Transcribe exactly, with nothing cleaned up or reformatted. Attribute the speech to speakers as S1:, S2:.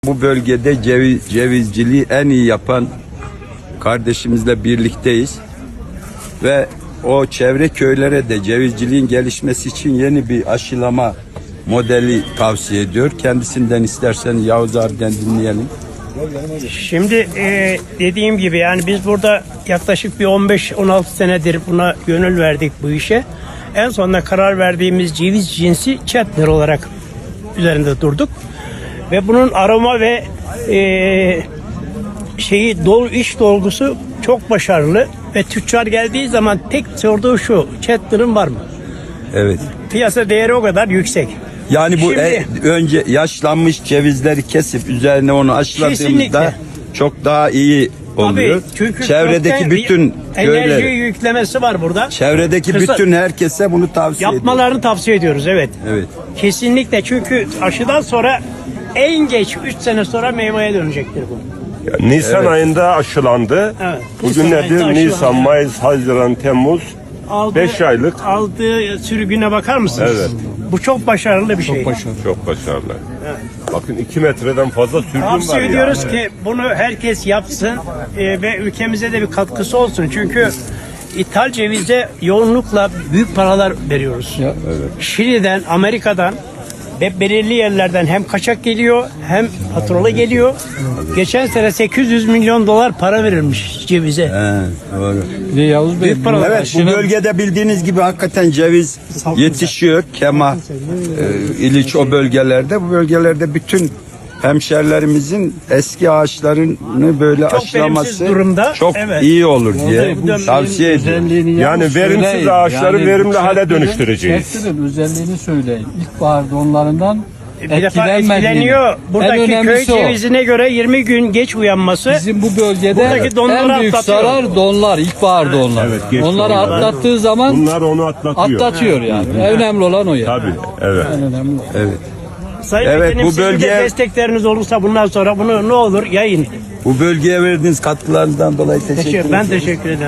S1: Bu bölgede ceviz, cevizciliği en iyi yapan kardeşimizle birlikteyiz. Ve o çevre köylere de cevizciliğin gelişmesi için yeni bir aşılama modeli tavsiye ediyor. Kendisinden istersen Yavuz abiden dinleyelim.
S2: Şimdi e, dediğim gibi yani biz burada yaklaşık bir on beş on altı senedir buna gönül verdik bu işe. En sonunda karar verdiğimiz ceviz cinsi Chetner olarak üzerinde durduk. Ve bunun aroma ve e, şeyi dol iş dolgusu çok başarılı ve tüccar geldiği zaman tek sorduğu şu: Chetner'ın var mı?
S1: Evet.
S2: Piyasa değeri o kadar yüksek.
S1: Yani bu
S2: Şimdi,
S1: e, önce yaşlanmış cevizleri kesip üzerine onu aşıladığımızda
S2: Kesinlikle.
S1: çok daha iyi oluyor.
S2: Tabii, çünkü
S1: çevredeki
S2: kökten
S1: bütün
S2: enerji
S1: köyler,
S2: yüklemesi var burada.
S1: çevredeki
S2: Kısa-
S1: bütün herkese bunu tavsiye ediyoruz.
S2: Yapmalarını tavsiye ediyoruz, evet.
S1: Evet.
S2: Kesinlikle, çünkü aşıdan sonra en geç üç sene sonra meyveye dönecektir bu.
S3: Yani Nisan
S1: Evet.
S3: ayında aşılandı.
S2: Evet.
S3: Bugün
S2: Nisan
S3: nedir?
S2: ayında
S3: Nisan,
S2: aşılandı.
S3: Mayıs, Haziran, Temmuz.
S2: Aldığı,
S3: Beş aylık.
S2: Aldığı sürgüne bakar mısınız?
S3: Evet.
S2: Bu çok başarılı bir şey.
S3: Çok başarılı. Bakın iki metreden fazla sürgün var
S2: Tavsiye
S3: ya.
S2: ediyoruz ki bunu herkes yapsın e, ve ülkemize de bir katkısı olsun. Çünkü ithal cevize yoğunlukla büyük paralar veriyoruz. Şili'den, Amerika'dan ve belirli yerlerden hem kaçak geliyor hem patrolu geliyor. Geçen sene sekiz yüz milyon dolar para verilmiş cevize.
S1: He, doğru.
S4: Bir Yavuz Bey,
S2: Büyük paralar.
S4: bu
S1: Evet, bu
S4: aşının-
S1: bölgede bildiğiniz gibi hakikaten ceviz yetişiyor. Kema, e, İliç o bölgelerde. Bu bölgelerde bütün hemşerilerimizin eski ağaçlarını böyle
S2: Çok
S1: aşılaması
S2: verimsiz durumda,
S1: çok
S2: evet.
S1: iyi olur diye
S2: Bu dönemin
S1: tavsiye ediyorum.
S4: özelliğini
S3: Yani
S4: yalnız
S3: verimsiz
S4: söyleyin.
S3: ağaçları verimli hale
S4: Chetner'ın-
S3: dönüştüreceğiz.
S4: Chetner'ın özelliğini söyleyin. İlkbahar donlarından
S2: Bir defa
S4: etkilenmediğini.
S2: etkileniyor.
S4: En
S2: Buradaki köy
S4: önemlisi o.
S2: cevizine göre yirmi gün geç uyanması.
S4: Bizim bu bölgede
S2: Buradaki donları
S4: en büyük
S2: atlatıyor.
S4: zarar donlar, ilkbahar donlar.
S3: Evet, geç
S4: Onları
S3: donlar.
S4: atlattığı zaman
S3: Bunlar onu atlatıyor.
S4: atlatıyor yani. En önemli olan o yani.
S3: Tabii, evet.
S4: En önemli o.
S1: Evet.
S2: Sayın
S1: Evet,
S2: Vekilim,
S1: bu
S2: sizin de
S1: bölge-
S2: destekleriniz olursa bundan sonra bunu ne olur yayın.
S1: Bu bölgeye verdiğiniz katkılarından dolayı teşekkür ederim.
S2: Ben teşekkür ederim.